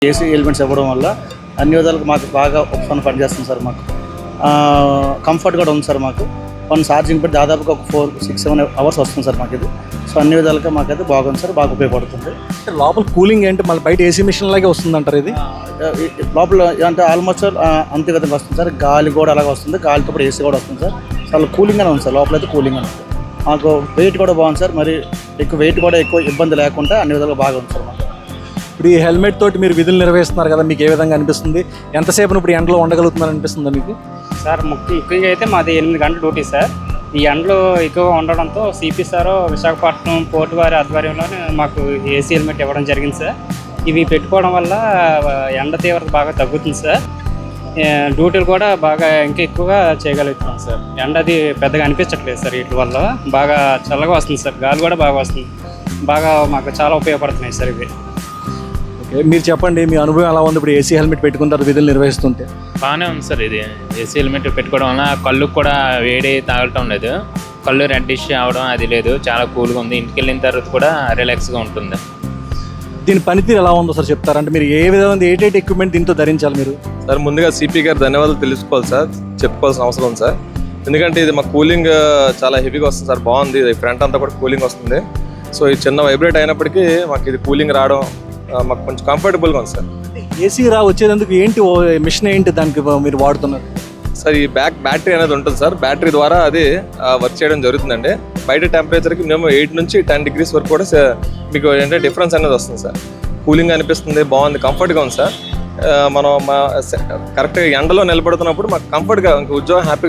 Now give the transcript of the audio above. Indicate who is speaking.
Speaker 1: AC elements ఇవ్వడం వల్ల అన్ని విధాలకు మాకు బాగా ఉపశమనం పనిచేస్తుంది సార్. మాకు కంఫర్ట్ కూడా ఉంది సార్. మాకు వన్ ఛార్జింగ్ పెట్టి దాదాపుగా ఒక 4-6-7 అవర్స్ వస్తుంది సార్ మాకు ఇది. సో అన్ని విధాలుగా మాకైతే బాగుంది సార్, బాగా ఉపయోగపడుతుంది.
Speaker 2: లోపల కూలింగ్ ఏంటి మళ్ళీ బయట ఏసీ మిషన్ లాగే వస్తుంది అంటారు ఇది?
Speaker 1: లోపల అంటే ఆల్మోస్ట్ అంతే విధంగా వస్తుంది సార్. గాలి కూడా అలాగే వస్తుంది, గాలితో కూడా ఏసీ కూడా వస్తుంది సార్. చాలా కూలింగ్గానే ఉంది సార్, లోపల అయితే కూలింగ్ అని ఉంది. మాకు వెయిట్ కూడా బాగుంది సార్, మరి వెయిట్ కూడా ఎక్కువ ఇబ్బంది లేకుండా అన్ని విధాలుగా బాగా ఉంది సార్ మాకు.
Speaker 2: ఇప్పుడు ఈ హెల్మెట్ తోటి మీరు విధులు నిర్వహిస్తున్నారు కదా, మీకు ఏ విధంగా అనిపిస్తుంది? ఎంతసేపు ఇప్పుడు ఎండలో ఉండగలుగుతున్నారు అనిపిస్తుందా మీకు?
Speaker 3: సార్ ముఖ్యంగా అయితే మాది 8 గంటల డ్యూటీ సార్. ఈ ఎండలో ఎక్కువగా ఉండడంతో సిపి సార్ విశాఖపట్నం పోర్టు వారి ఆధ్వర్యంలోనే మాకు ఏసీ హెల్మెట్ ఇవ్వడం జరిగింది సార్. ఇవి పెట్టుకోవడం వల్ల ఎండ తీవ్రత బాగా తగ్గుతుంది సార్. డ్యూటీలు కూడా బాగా ఇంకా ఎక్కువగా చేయగలుగుతున్నాం సార్. ఎండ అది పెద్దగా అనిపించట్లేదు సార్. వీటి వల్ల బాగా చల్లగా వస్తుంది సార్, గాలి కూడా బాగా వస్తుంది. బాగా మాకు చాలా ఉపయోగపడుతున్నాయి సార్ ఇవి.
Speaker 2: మీరు చెప్పండి, మీ అనుభవం ఎలా ఉంది ఇప్పుడు ఏసీ హెల్మెట్ పెట్టుకుంటారు విధులు నిర్వహిస్తుంటే?
Speaker 4: బాగానే ఉంది సార్. ఇది ఏసీ హెల్మెట్ పెట్టుకోవడం వల్ల కళ్ళుకు కూడా వేడి తాగటం లేదు, కళ్ళు రెడ్డిష్ అవడం అది లేదు, చాలా కూల్గా ఉంది. ఇంటికి వెళ్ళిన తర్వాత కూడా రిలాక్స్గా ఉంటుంది.
Speaker 2: దీని పనితీరు ఎలా ఉందో సార్ చెప్తారా? అంటే మీరు ఏ విధంగా ఏటేటి ఎక్విప్మెంట్ దీంతో ధరించాలి మీరు?
Speaker 5: సార్ ముందుగా సిపి గారు ధన్యవాదాలు తెలుసుకోవాలి సార్, చెప్పుకోవాల్సిన అవసరం ఉంది సార్. ఎందుకంటే ఇది మాకు కూలింగ్ చాలా హెవీగా వస్తుంది సార్. బాగుంది, ఇది ఫ్రంట్ అంతా కూడా కూలింగ్ వస్తుంది. సో ఇది చిన్న వైబ్రేట్ అయినప్పటికీ మాకు ఇది కూలింగ్ రావడం మాకు కొంచెం కంఫర్టబుల్గా ఉంది సార్.
Speaker 2: ఏసీ వచ్చేందుకు ఏంటి మిషన్ ఏంటి దానికి మీరు వాడుతున్నారు
Speaker 5: సార్? ఈ బ్యాటరీ అనేది ఉంటుంది సార్. బ్యాటరీ ద్వారా అది వర్క్ చేయడం జరుగుతుందండి. బయట టెంపరేచర్కి మేము 8 నుంచి 10 degrees వరకు కూడా మీకు ఏంటంటే డిఫరెన్స్ అనేది వస్తుంది సార్. కూలింగ్ అనిపిస్తుంది, బాగుంది, కంఫర్ట్గా ఉంది సార్. మనం కరెక్ట్గా ఎండలో నిలబడుతున్నప్పుడు మాకు కంఫర్ట్గా ఉద్యోగం హ్యాపీ